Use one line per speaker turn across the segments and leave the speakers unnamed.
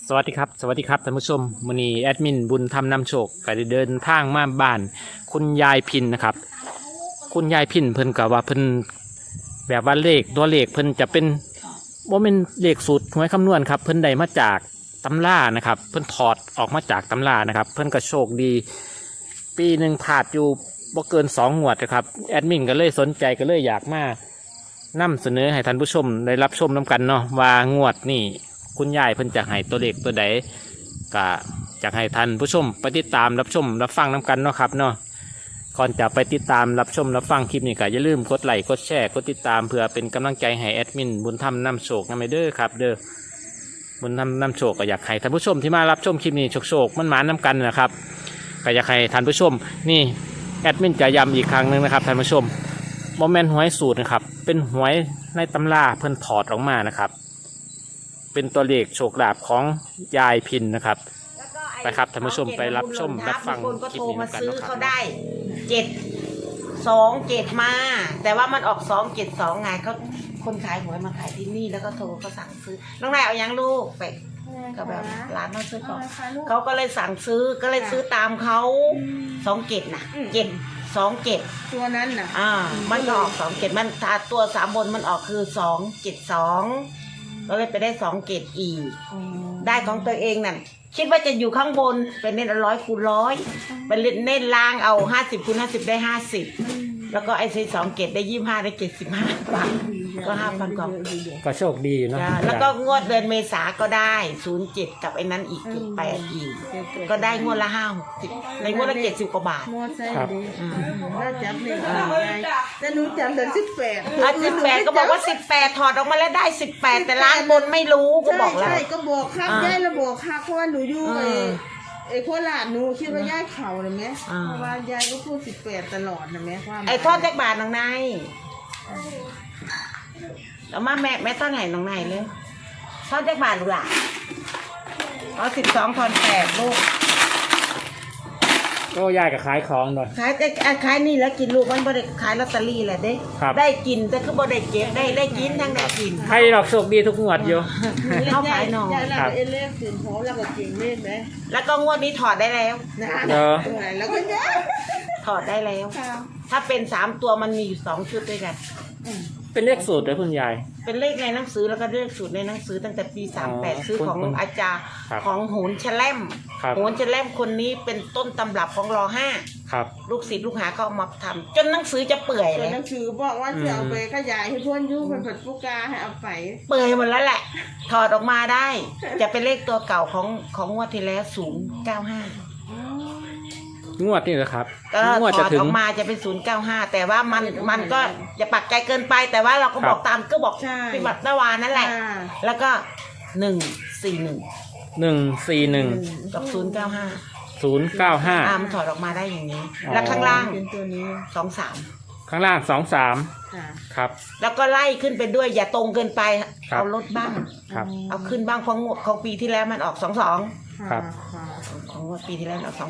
สวัสดีครับท่านผู้ชมมื้อนี้แอดมินบุญธรรมนำโชคก็ได้เดินทางมาบ้านคุณยายพินนะครับคุณยายพินเพิ่นก็ว่าเพิ่นแบบว่าเลขตัวเลขเพิ่นจะเป็นบ่แม่นเลขสูตรหวยคำนวณครับเพิ่นได้มาจากตำรานะครับเพิ่นถอดออกมาจากตำรานะครับเพิ่นก็โชคดีปีหนึ่งพลาดอยู่บ่เกิน2 งวดนะครับแอดมินก็เลยสนใจก็เลยอยากมานำเสนอให้ท่านผู้ชมได้รับชมนำกันเนาะว่างวดนี่คุณยายเพิ่นจะให้ตัวเลขตัวใดก็จะให้ท่านผู้ชมไปติดตามรับชมรับฟังนำกันเนาะครับเนาะก่อนจะไปติดตามรับชมรับฟังคลิปนี้ก็อย่าลืมกดไลค์กดแชร์กดติดตามเพื่อเป็นกำลังใจให้แอดมินบุญธรรมนำโชคนำไปเด้อครับเด้อบุญธรรมนำโชคก็อยากให้ท่านผู้ชมที่มารับชมคลิปนี้โชคมันหมานำกันนะครับก็อยากให้ท่านผู้ชมนี่แอดมินจะย้ำอีกครั้งหนึ่งนะครับท่านผู้ชมโมเมนต์หวยสูตรนะครับเป็นหวยในตำราเพิ่นถอดออกมานะครับเป็นตัวเลขโชคลาภของยายพินนะครับไปครับท่านผู้ชมไปรับชมรับฟังคลิปนี้กันนะครับ
เขาได้727มาแต่ว่ามันออก272ไงเขาคนขายหวยมาขายที่นี่แล้วก็โทรเขาสั่งซื้อน้องนายเอายังลูกไปก็แบบร้านเขาซื้อของเขาก็เลยสั่งซื้อก็เลยซื้อตามเขา27นะ727
ตัวนั้นน่ะ
มันก็ออก27มันตัว3บนมันออกคือ272ก็เลยไปได้27อีกได้ของตัวเองนั่นคิดว่าจะอยู่ข้างบนเป็นเน้น100 คูณ 100เป็นเน้นล่างเอา50 คูณ 50ได้50แล้วก็ไอ้27ได้25ได้75บาทก็ 5,000 กว่า
ก็โชคดีเนาะ
แล้วก็งวดเดือนเมษาก็ได้07กับไอ้นั้นอีก78อีกก็ได้งวดละ50ในงวดละ70 กว่าบาท
ครับแล้วจับเลขแต่หนูจำแต่
18ก็บอกว่า18ถอดออกมาแล้วได้18แต่ล้างบนไม่รู้ก็บอกแล้ว
ใช่ก็บอกครับยายระบอกค่ะเพราะว่าหนูอยู่ไอ้โคราชหนูคิดว่ายายเข่าเลยไหมเพราะว่ายายก็พูด18ตลอดนะแม่ว่า
ไอ้ทอดแจกบาทน้องนายแล้วมาแม่ต้นไหนน้องนายเลยทอดแจกบาทหรือล่ะ12 ทอน 8ลูก
ก็ยายกับขายของหน่อย
ขายนี่แล้วกินลูกมันบ่ได้ขายลอตเตอรี่แหละเด้ได้กินแต่คือบ่ได้เก็บได้กินทั้งได้กิน
ใครหลอกโชคดีทุกงวดอยู่
เขาขายหน่อย
ครับเอเล่สินโหแล้วก็เก่งเล่นไหม
แล้วก็งวดนี้ถอดได้แล้ว
แล้วก็
ถอดได้แล้วถ้าเป็น3ตัวมันมีอยู่2ชุดด้วยกัน
เป็นเลขสูตรเลยคุณยาย
เป็นเลขในหนังสือแล้วก็เลขสูตรในหนังสือตั้งแต่ปี38ซื้อของอาจารย์ของโหนแชล่มโหนแชล่มคนนี้เป็นต้นตำรับของร.5
ครับ
ลูกศิษย์ลูกหาเขาเอามาทำจนหนังสือจะเปื่อยเลย
หนังสือบอกว่าจะเอาไปขยายให้เพื่อนยุ่งเป็นผัดผู้กาให้เอาไป
เปื่อยหมดแล้วแหละถอดออกมาได้จะเป็นเลขตัวเก่าของงวดที่แล้ว095
งวดนี่เหรอครับ
งวดจะถึงออกมาจะเป็น095แต่ว่ามันก็จะปักใจเกินไปแต่ว่าเราก็บอกตามก็บอกพิบัติตะวานนั่นแหละแล้วก็141กับ095มันถอดออกมาได้อย่างนี้แล้วข้างล่าง
เป็นตัวนี้
23
ข้างล่าง23ครับ
แล้วก็ไล่ขึ้นไปด้วยอย่าตรงเกินไปเอาลดบ้างเอาขึ้นบ้างของปีที่แล้วมันออก22
ครับ
ของปีที่แล้วออก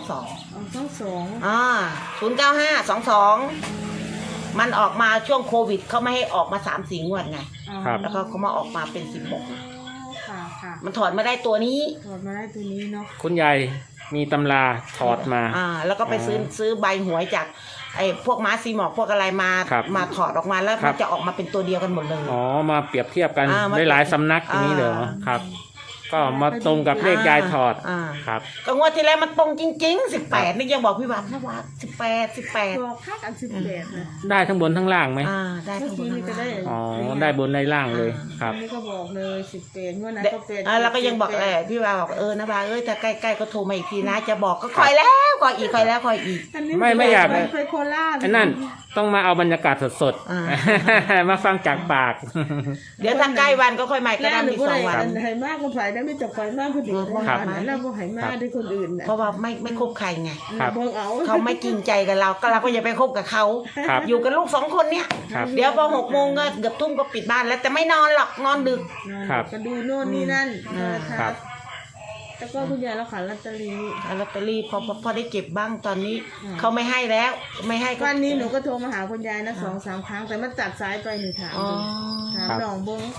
095มันออกมาช่วงโควิดเขาไม่ให้ออกมา 3-4 งวดไงแล้วก็เขามาออกมาเป็น16มันถอดมาได้ตัวนี้
เนาะ
คุณยายมีตำราถอดมา
แล้วก็ไปซื้อใบหวยจากไอ้พวกม้าซีหมอกพวกอะไรมาถอดออกมาแล้วมันจะออกมาเป็นตัวเดียวกันหมดเลย
มาเปรียบเทียบกันได้หลายสำนักอย่างนี้เหรอครับก็มาตรงกับเลขยายถอดครับ
ก็งวดที่แล้วมันตรงจริงๆ18นี่ยังบอกพี่วัดนะว่า18
บอกค่ากัน18นะ
ได้ทั้งบนทั้งล่างไหม
ได้ทั้งบนทั้งล่าง
ได้บนได้ล่างเลยครับ
นี่ก็บอกเลย18งวดนั้นก็
8แล้วก็ยังบอกพี่วัดบอกนะว่าถ้าใกล้ๆก็โทรมาอีกทีนะจะบอกก็คอยแล้วคอยอีก
ไม่อยาก
ไปโคราช
นั่นต้องมาเอาบรรยากาศสดๆมาฟังจากปาก
เดี๋ยวถ้าใกล้วันก็ค่อยมาก็ได้อีก2 วัน
ให้มากก็ไปได้ไม่จับไฟมากคนอื่นแล้วก็ให้มากด้วยคนอื่น
เพราะว่าไม่คบใครไงเขาไม่จริงใจกับเราก็อย่าไปคบกับเขาอยู่กับลูก2 คนเนี่ยเดี๋ยวพอ6 โมงก็เกือบทุ่มก็ปิดบ้านแล้วแต่ไม่นอนหรอกนอนดึก
ก็ดูโน่นนี่นั่นแล้วก็คุณยายเราขายลอตเตอ
รี่พอได้เก็บบ้างตอนนี้เขาไม่ให้แล้วไม่ให้
วันนี้หนูก็โทรมาหาคุณยายนะ2-3 ครั้งแต่มันตัดสายไปหนูถามน้องบง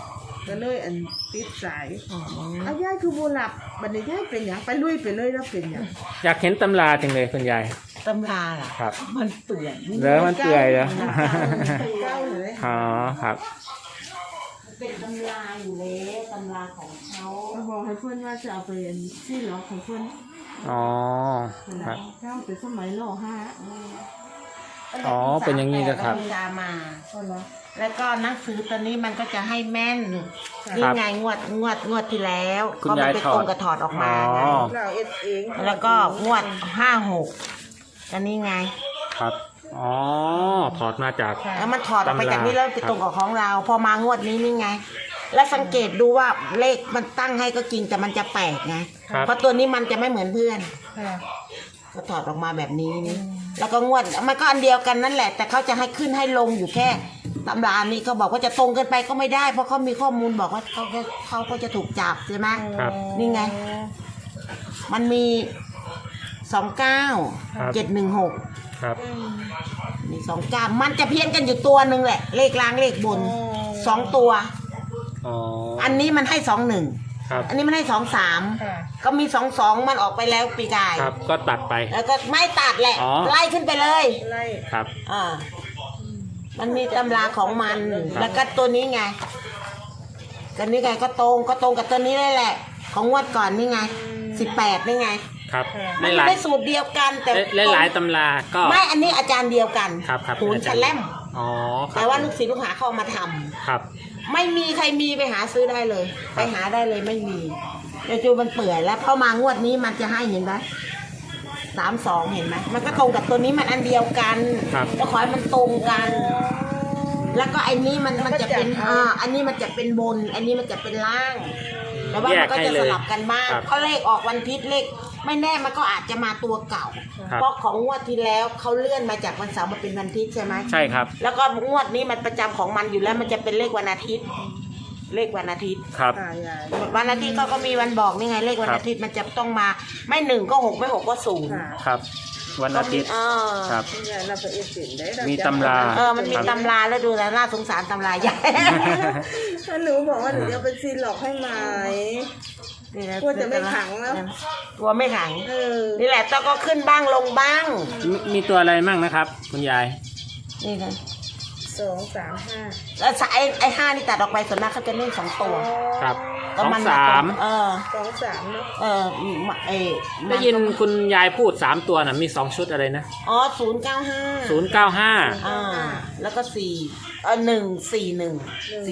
ก็เลยอันติดสาย
อ๋อ
เอายายคือโบหลับบัดนี้ยายเป็นหยังไปลุยไปเลยแล้วเป็นหยัง
อยากเห็นตำราจังเลยคุณยาย
ตำราล่ะ
ครับ
มันเปื่อย
แล้วมันเปื่อยเหรอ
เก้าเลย
อ๋อครับ
เป็นตำราอยู่แล้วตำราของเขา
ก็บอกให้เพื่อนว่าจะเอาไปที่ล็อกของเพื่อน
อ๋อครับ
เก้าเป็นสมัยรอห้า
อ๋อเป็นอย่างนี้นะครับ
ตำรามา
ก็เหรอ
แล้วก็หนังสือตัวนี้มันก็จะให้แม่น
ครับ
นี่ไงงวดที่แล้ว
คุณ
ก็มั
ยาย
เป็น
ถอด
ตรงกับถอดออกมาไง
อ๋อ
เราเอ็ดเอง
แล้วก็งวด56อันนี้ไง
ครับอ๋อถอดมาจาก
แล้วมันถอดออกไป
ตำรา
จากนี้แล้วไปตรงกับของเรา พอมางวดนี้นี่ไง แล้วสังเกตดูว่าเลขมันตั้งให้ก็จริงแต่มันจะแปลกไง
ครับ
เพราะตัวนี้มันจะไม่เหมือนเพื่อน
ค่ะ
ก็ถอดออกมาแบบนี้นี่แล้วก็งวดมันก็อันเดียวกันนั่นแหละ แต่เขาจะให้ขึ้นให้ลงอยู่แค่ตำรานี้เขาบอกว่าจะตรงเกินไปก็ไม่ได้ เพราะเขามีข้อมูลบอกว่าเขาก็จะถูกจับใช่ไหม
ครับ
นี่ไง มันมี29 716
ครับ
มี29มันจะเพี้ยนกันอยู่ตัวหนึ่งแหละ เลขล่างเลขบน2ตัว
อ๋อ
อันนี้มันให้21
ครับ
อันนี้มันให้23
ค่ะ
ก็มี22มันออกไปแล้วปีกาย
ครับก็ตัดไป
แล้วก็ไม่ตัดแหละ
อ๋อ
ไล่ขึ้นไปเลย
ไล่
ครับ
มันมีตำราของมัน แล้วก็ตัวนี้ไงตัวนี้ไงก็ตรงกับตัวนี้เลยแหละ ของงวดก่อนนี่ไง18นี่ไง
ครับ
มัน
หลาย
ได้สูตรเดียวกันแต่
หลายตำราก็
ไม่อันนี้อาจารย์เดียวกัน
ครับครับ
โหนแชลม
อ๋อครับ
แต่ว่าลูกศิษย์ลูกหาเข้ามาทำ
ครับ
ไม่มีใครมีไปหาซื้อได้เลย ไปหาได้เลยไม่มีเดี๋ยวจูมันเปื่อยแล้วเข้ามางวดนี้มันจะให้เห็นไหม32เห็นไหมมันก็ตรงกับตัวนี้มันอันเดียวกัน
ครับ
แล้วขอให้มันตรงกัน แล้วก็ไอ้นี้มันจะเป็นอันนี้มันจะเป็นบน อันนี้มันจะเป็นล่าง แต่ว่ามันก็จะสลับกันบ้าง
ครับ
เพราะเลขออกวันพิษเลขไม่แน่มันก็อาจจะมาตัวเก่า
ครับ
เพราะของงวดที่แล้วเขาเลื่อนมาจากวันเสาร์มาเป็นวันอาทิตย์ใช่ไหม
ใช่ครับ
แล้วก็งวดนี้มันประจำของมันอยู่แล้วมันจะเป็นเลขวันอาทิตย์ เลขวันอาทิตย์
ครับ
ค่ะยาย
วันอาทิตย์ก็มีวันบอกนี่ไงเลขวันอาทิตย์มันจะต้องมาไม่1ก็6ไม่6ก็0
ค่ะ
ครับ วันอาทิตย์ ครับ
คุณยายเราไปเอ็ดเป็นได้
มีตำรา
มันมีตำราแล้วดูแล้วน่าสงสารตำราใหญ่
ถ้าหนูบอกว่าหนูจะเอาไปซีนหลอกให้ไหม กลัวจะไม่ขังแล้ว
กลัวไม่ขัง
เออ
นี่แหละต้องก็ขึ้นบ้างลงบ้าง
มีตัวอะไรมั่งนะครับ คุณยาย
นี่ค่ะ
2 3 5
แล้วไอ้5นี่ตัดออกไปส่วนมากเขาจะเล่น2ตัว
ครับ
ก็
2
มัน
3
2 3เนาะ
ได้ยินคุณยายพูด3ตัวน่ะมี2ชุดอะไรนะ
095
095
แล้วก็141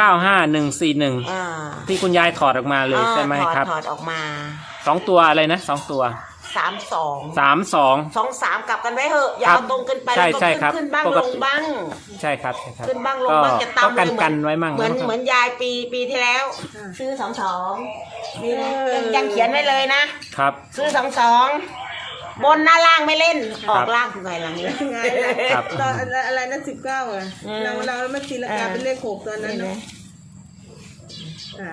095141ที่คุณยายถอดออกมาเลยใช่ไหมครับ
ถอดออกมา
2ตัวอะไรนะ2ตัว
32
32
23กลับกันไว้เหอะอย่า
ครับ
เอาตรงเกินไป
ใช่
แล้วก็
ใช่ครับ
ขึ้นบ้าง
ปก
ล
ติ
งบ้าง
ใช่ครับใช่ครับ
ขึ้นบ้างลงบ้างจะตาม
ก็กันไว้มั่ง
เหมือน
นะครับ
เหมือนยายปีที่แล้ว ซื้อ22นี่นะยังเขียนไว้เลยนะ
ครับ
ซื้อ22บนหน้าล่างไม่เล่นออกล่างคือไงล่ะนี่
ไง
ครับ
ตอนอะไรนะ19อ่ะ
อืม
เราไม่ตีลังกาเป็นเลข6ตอนนั้นเนาะอ่ะ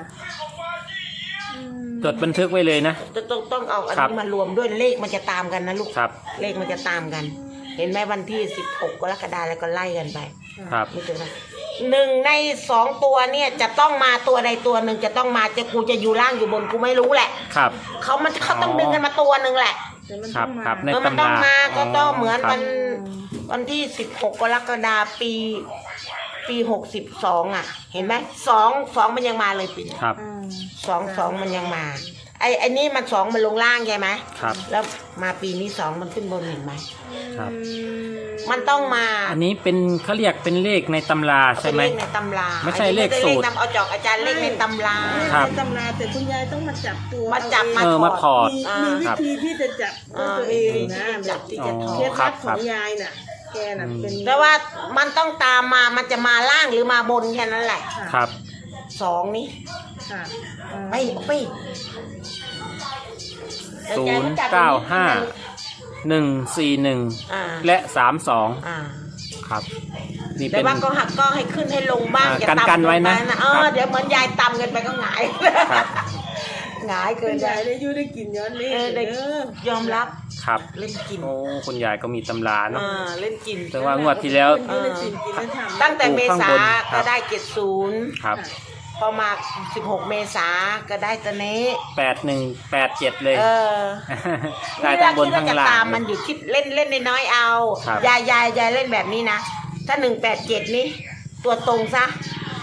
จดบันทึกไว้เลยนะ
ต้องเอาอัน
ครับ
นี้มารวมด้วยเลขมันจะตามกันนะลูก
ครับ
เลขมันจะตามกัน เห็นไหมวันที่16กรกฎาคมแล้วก็ไล่กันไป
ครับ
ไม่ถึงนะ1 ใน 2 ตัวเนี่ยจะต้องมาตัวใดตัวหนึ่งจะต้องมาจะกูจะอยู่ล่างอยู่บนกูไม่รู้แหละ
ครับ
เขาต้องดึงกันมาตัวหนึ่งแหละ
แต่มัน
ครั
ต้
บ
องมา
ครับใน
มัน
ตำ
ต้อ
ราง
มาก็ต้องเหมือน
ครับ
วันที่16กรกฎาคมปี62อ่ะ เห็นไหม2มันยังมาเลยปี
ครับ
2มันยังมาไอ้นี่มัน2มันลงล่างใช่ไหม
ครับ
แล้วมาปีนี้2มันขึ้นบนเห็นไหม
ครับ
มันต้องมา
อันนี้เป็นเขาเรียกเป็นเลขในตำราใช่ไหม
เป็นเลขในตำรา
ไม่ใช่เลขสูตร
นำเอาจอกอาจารย์เลขในตำรา
ครับ
ในตำราแต่คุณยายต้องมาจับตัว
มาจับ
เอ
มา
ง
มาถอด
มีวิธีที่จะจับด้วยตัวเองนะ
จับที่จะถอ
เคล็
ด
ด
ครั
ลั
บบ
ของยายน่ะ แกน่ะเป็น
แต่ว่ามันต้องตามมามันจะมาล่างหรือมาบนแค่นั้นแหละ
ครับ
2นี่
ค่ะ
ไป
095141
อ่า
และ32
อ่า
ครับ นี่
แต่
เป็น
ว่าก็หักก็ให้ขึ้นให้ลงบ้าง
อ่า
อย่า
กัน
ต่ำ
กันไว้นะ
เกิป
ครับ
เดี๋ยวเหมือนยายตำกันไปก็หงาย
ครับ
หงายเกิ
คุ
น
ณ
ไป
ยายได้อยู่ได้กินย้อนนี้
ได้
เด้อย
อมรับ
ครับ
เล่นกิน
โอ้คุณยายก็มีตำราเนาะ
เล่นกิน
แต่ว่างวดที่แล้ว
อยู่ได้กินกินได้ทำ
ตั้งแต่เมษา
ครั
ก็
บ
ได้70
ครับ
พอมา16 เมษาก็ได้ตัวนี้
8187เลย ได้
นี่
ทั้
เรา
งบน
คิด
ทั้
ว่าง จะ
ล่าง
ตามมันอยู่คิดเล่นน้อยๆเอา
ครับ
ยายเล่นแบบนี้นะถ้า187นี้ตัวตรงซะ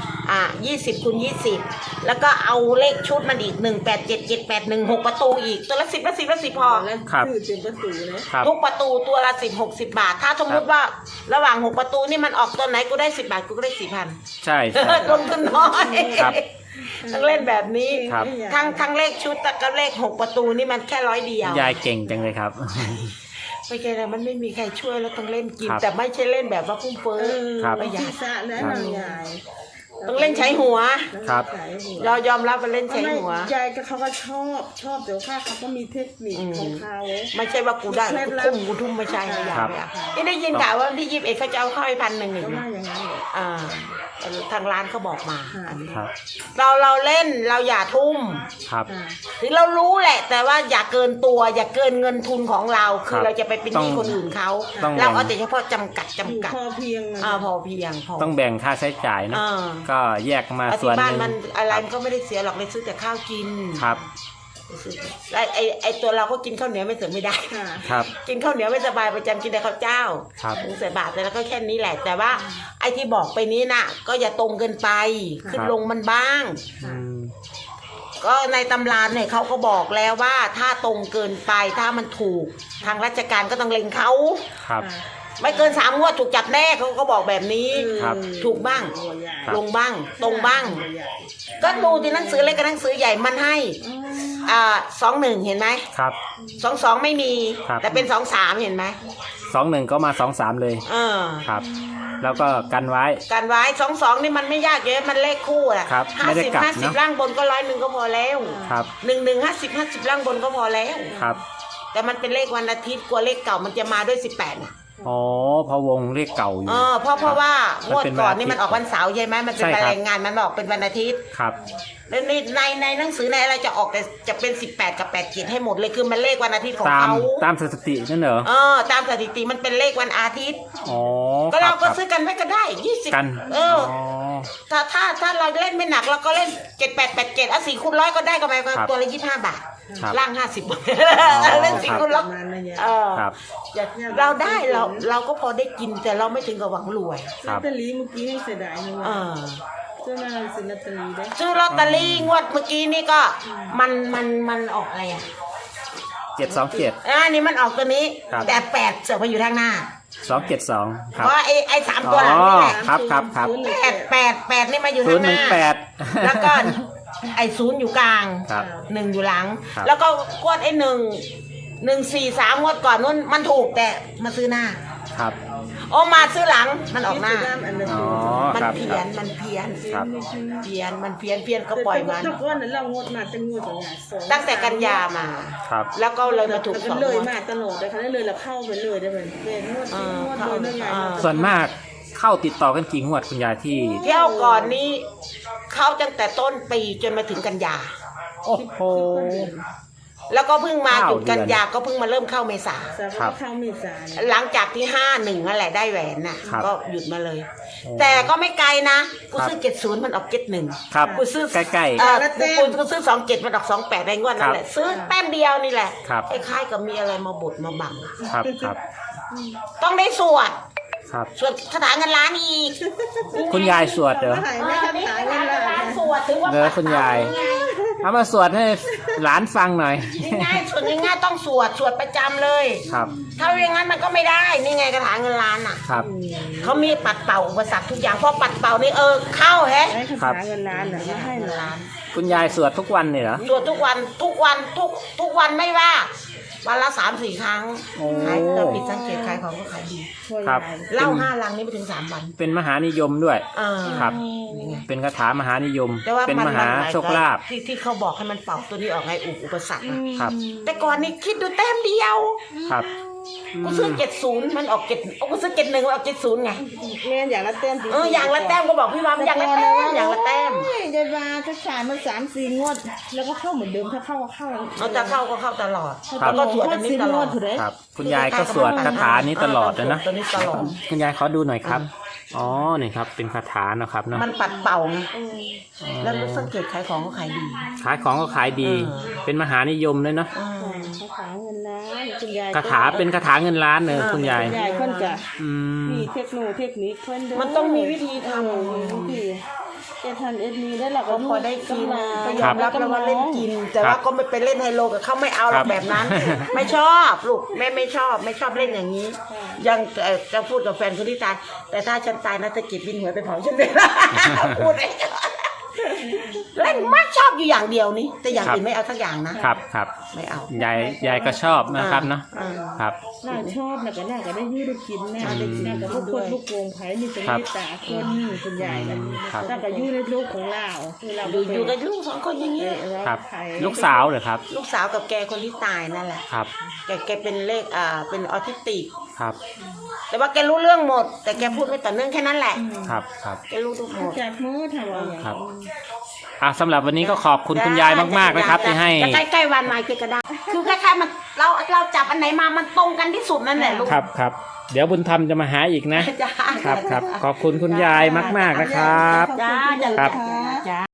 20 คูณ 20แล้วก็เอาเลขชุดมันอีก187 781 6ประตูอีกตัวละ10ละ10ละ10พอ
แล้ว
ครับ
คือเป็นประตูเลย
ครับ
ทุกประตูตัวละ10 60 บาท ถ้าสมมติว่าระหว่าง6ประตูนี่มันออกตัวไหนกูได้10 บาทกูก็ได้ 4,000
ใช่ใช่
ลงทุนน้อย
ครับ
ต้องเล่นแบบนี้
ครับ
ทั้งเลขชุดกับเลข6ประตูนี่มันแค่100เดียว
ยายเก่งจังเลยครับ
ไม่ใช่นะมันไม่มีใครช่วยแล้วต้องเล่นกิน
ครับ
แต่ไม่ใช่เล่นแบบว่าพุ่มเฟ้อ
ครับ
ประหยั
ที่
ด
สะแล้วเรายาย
ต้องเล่นใช้หัว
ครับ
เรายอมรับว่าเล่นใช้หัว
ยายก็เขาก็ชอบแต่ว่าเขาก็มีเทคนิคของเขา
ไม่ใช่ว่ากูได้แล้วกูทุ่มไม่ใช่ไม่อยาก
ครับ
ไม่อยากนี่ได้ยินข่าวว่าวันที่21เขาจะเอาเข้าให้1,000อีก
ก็
นะ
ว่าอย่างนั้นเลย
ทางร้านเขาบอกมา
ค่ะ
อันนี้
ครับ
เราเล่นเราอย่าทุ่ม
ครับ
ถึงเรารู้แหละ แต่ว่าอย่าเกินตัว อย่าเกินเงินทุนของเรา คื
ครั
อบ เราจะไปเป็นหนี้คนอื่นเขา
ต้อง
เรา
แบ่ง
เอาแต่เฉพาะจำกัด
อยู่
จำกัด
พอเพียง
พอเพียงพอ
ต้องแบ่งค่าใช้จ่ายเนอะ
อ่า
ก็แยกมา
แล้ว
ส่วน
ที่บ้าน
หนึ่ง
มันอะไร
ครับ
มันก็ไม่ได้เสียหรอกเลยซื้อแต่ข้าวกิน
ครับ
แล้วไอตัวเราก็กินข้าวเหนียวไม่เสริมไม่ได้
ค่ะ
ครับ
กินข้าวเหนียวไม่สบายประจำกินแต่ข้าวเจ้า
ครับ
ถึงใส่บาตรแต่แล้วก็แค่นี้แหละ แต่ว่าไอ้ที่บอกไปนี้น่ะ ก็อย่าตรงเกินไป ขึ้นลงมันบ้าง
อืม
ก็ในตำราเนี่ยเขาก็บอกแล้วว่าถ้าตรงเกินไปถ้ามันถูกทางราชการก็ต้องเล็งเขา
ครับ
ไม่เกิน3 งวดถูกจับแน่เขาก็บอกแบบนี้
ครับ
ถูกบ้าง
ครับ
ลงบ้าง ตรงบ้าง ก็ดูที่หนังสือเล็กกับหนังสือใหญ่มันให้21เห็นไหม
ครับ
22ไม่มี
ครับ
แต่เป็น23เห็นไหม
21ก็มา23เลย
เออ
ครับ แล้วก็กันไว้
การไว้22นี่มันไม่ยากเยอะมันเลขคู่อะ
ครับไม่ได้กลับเนอะ
50ล่างบนก็100ก็พอแล้ว
ครับ
50ล่างบนก็พอแล้ว
ครับ
แต่มันเป็นเลขวันอาทิตย์กลัวเลขเก่ามันจะมาด้วย18น่ะ
อ๋อพะวงเลขเก่าอยู่
เพราะว่างวดก่อนนี่
มันเป็นวันอาทิตย์
มันออกวันเสาร์ใช่ไหมมันเป็น
ใช่ครับ
รายงานมันออกเป็นวันอาทิตย์
ครับ
แล้วในหนังสือในอะไรจะออกแต่จะเป็น18กับ87ให้หมดเลยคือมันเลขวันอาทิตย์ของ
ตาม
เขา
ตามสถิตินั่นเหรอ
ตามสถิติมันเป็นเลขวันอาทิตย์
อ๋อ
ก็เราก็
คบ
ซื้อกันไว้ก็ได้20
กัน
ถ้าเราเล่นไม่หนักเราก็เล่น78874 คูณ 100ก็ได้ก็ไป
ครับ
ตัวละ25 บาท
ครับ
ล่าง50บาทเล่น4 คูณ
ป
100
ระมาณนั้นเนี่ย
ครับ
เราได้เราก็พอได้กินแต่เราไม่ถึงกับหวังรวย
ครั
ลอต
บ
เตอรี่เมื่อกี้ให้เสียดายนะว่าเจ้าหน้าซื้อลอตเตอรี่ได้
ซื้อลอตเตอรี่งวดเมื่อกี้นี่ก็มันออกอะไรอ่ะ
727
นี่มันออกตัวนี้
ครับ
แต่8เสือกมาอยู่ทางหน้า
272ครับ
เพราะไอ้3ตัวหลังนี่แหละ
อ๋อ ครับ
8นี่มาอยู่ทางหน้า
018
แล้วก็ไอ้0อยู่กลาง
ครับ
1อยู่หลัง
ครับ
แล้วก็กวดไอ้1 4 3งวดก่อนนู้นมันถูกแต่มาซื้อหน้า
ครับ
โอ้มาซื้อหลังมันออกหน้า
อ๋อ
มัน
ครับ
เพี้
ค
ย
รั
น
บ
มันเพี้ยน
ครับ
เพี้ยนมันเพี้ยนก็ปล่อยมัน
แต่ก้อนนั้นเรางดมาตั้งงวดตัวอย่าง2
ตั้งแต่กันยามา
ครับ
แล้วก็เลยมาถูก
แล้ว
ส
ก็
อง
เลย
งวด
มาตลอดเลยค่ะแล้วเลยเราเข้าไปเลยได้เป็นงวดที่งวดเลยเรื่องไง
ส่วนมากเข้าติดต่อกันกี่งวดคุณยายที่
เที่ยวก่อนนี้เข้าตั้งแต่ต้นปีจนมาถึงกันยา
โอ้โห
แล้วก็เพิ่งมาหยุดกัน
9 เดือน
ยาก็เพิ่งมาเริ่มเข้าเมษา
แต่ว่าเข้าเมษาเนี่ย
หลังจากที่51นั่นแหละได้แหวนน่ะ
ครับ
ก็หยุดมาเลย
โอ้
แต่ก็ไม่ไกลนะกู
ครับ
ซื้อ70มันออก71
ครับ
กูซื้อ
ใกล้
กูซื้อ27มันออก28ในงวดนั่นแหละซื้อแต้มเดียวนี่แหละ
ครับ
คล้ายๆกับมีอะไรมาบดมาบัง
ๆ ครับครับ
ต้องได้สวด
ครับ
สวดคาถาเงินล้านอีก
คุณยายสวดเหรอ
หายไม่ทันหายเงินละ
สวดถือว่า
เออคุณยาย เอามาสวดให้หลานฟังหน่อย
ง่ายๆสวดง่ายๆต้องสวดประจำเลย
ครับ
ถ้าอย่างนั้นมันก็ไม่ได้ นี่ไงคาถาเงินล้านอ่ะ
ครับ
เขามีปัดเป่าอุปสรรคทุกอย่างพอปัดเป่านี่เข้าแฮะ
ให้คาถาเงินล้านน่ะมาให้หลาน
คุณยายสวดทุกวันเนี่ยเหรอ
สวดทุกวันไม่ว่า วันละ3-4 ครั้ง
โอ้
ขายเราผิดสังเกตขายของก็ขายดี
ช่วย
ครับ
ยาย
เหล้า5 ลังนี่ไปถึง3 วัน
เป็นมหานิยมด้วย ครับ
นี่ไง
เป็นคาถามหานิยม
แต่ว่า
เป็นมหาโชคลาภ
ที่เขาบอกให้มันเป่าตัวนี้ออกไงอุปสรรคอะ
ครับ
แต่ก่อนนี่คิดดูแต้มเดียว
ครับ
กูซื้อ70มันออก7กูซื้อ71มันออก70ไง
แม่อย่างละแต้มจริงๆ
อย่างละแต้มก็บอกพี่วามอย่างละแต้มอย่างละแต้ม
โอ้ยยายบาถ้าขายมา3-4 งวด แล้วก็เข้าเหมือนเดิมถ้าเข้าก็เข้า
เอาจะเข้าก็เข้าตลอด
ครับ
แล้วก็สวดอันนี้ตลอด
ถูกไหม
ครับ คุณยายก็สวดคาถานี้ตลอดนะ
ตัวนี้ตลอด
คุณยายขอดูหน่อยครับอ๋อนี่ครับเป็นคาถาเนาะครับเนาะ
มันปัดเป่าไง
เออ
แล้วสังเกตขายของก็ขายดี
ขายของก็ขายดี
เออ
เป็นมหานิยมเลยเนาะ
คาถาเงินล้านคุณยาย
คาถาเป็นคาถาเงินล้านเลยคุณยาย
คุณยายเพิ่นจะ
อืม
มีเทคโนนิคเพิ่นเด้อ
มันต้องมีวิธีทำ
วิธีแต่ทันเอ็ดมีได้หลัก
ก็พอได้กินก็ย
ครั
อบ มรับแล้วว่าเล่นกิน แต่ว่าก็ไม่ไปเล่นไฮโลกับเขาไม่เอาหรอกแบบนั้น ไม่ชอบลูกแม่ไม่ชอบเล่นอย่างนี้ ยังจะพูดกับแฟนคนที่ตายแต่ถ้าฉันตายนะจะเก็บบินหวยไปเผาฉันเลย พูดเลยเล่นมากชอบอยู่อย่างเดียวนี้แต่อย่างอื่นไม่เอาสักอย่างนะครับ
ครับ
ไม่เอา
ยายก็ชอบนะครับเนาะ
อ่า
ครับ
น่าชอบนะก็น่าก็ได้ยืดได้กินนะ
ได้กิน
น่าก็ลูกคนลูกโกงไผ่มีสมิตาคนคุณยายกันน่าก็ยืดในลูกของเราคือเรา
อยู่กับลูกสองคนอย่างนี้
ครับ ลูกสาวเหรอครับ
ลูกสาวกับแกคนที่ตายนั่นแหละ
ครับ
แกเป็นเลขเป็นออทิสติก
ครับ
แต่ว่าแกรู้เรื่องหมด แต่แกพูดไม่ต่อเนื่องแค่นั้นแหละ
ครับครับ
แกรู้ทุกหมด
จากมือทำอะไรอย่าง
ครับสำหรับวันนี้ก็ขอบคุณคุณยายมากๆนะครับที่ให้
จะใกล้ๆวันมาคือก็ได้คือคล้ายๆมันเราจับอันไหนมามันตรงกันที่สุดนั่นแหละลูก
ครับครับเดี๋ยวบุญธรรมจะมาหาอีกนะ
จ้า
ครับครับขอบคุณคุณยายมากๆนะครับ
จ้า
ครับ
จ้า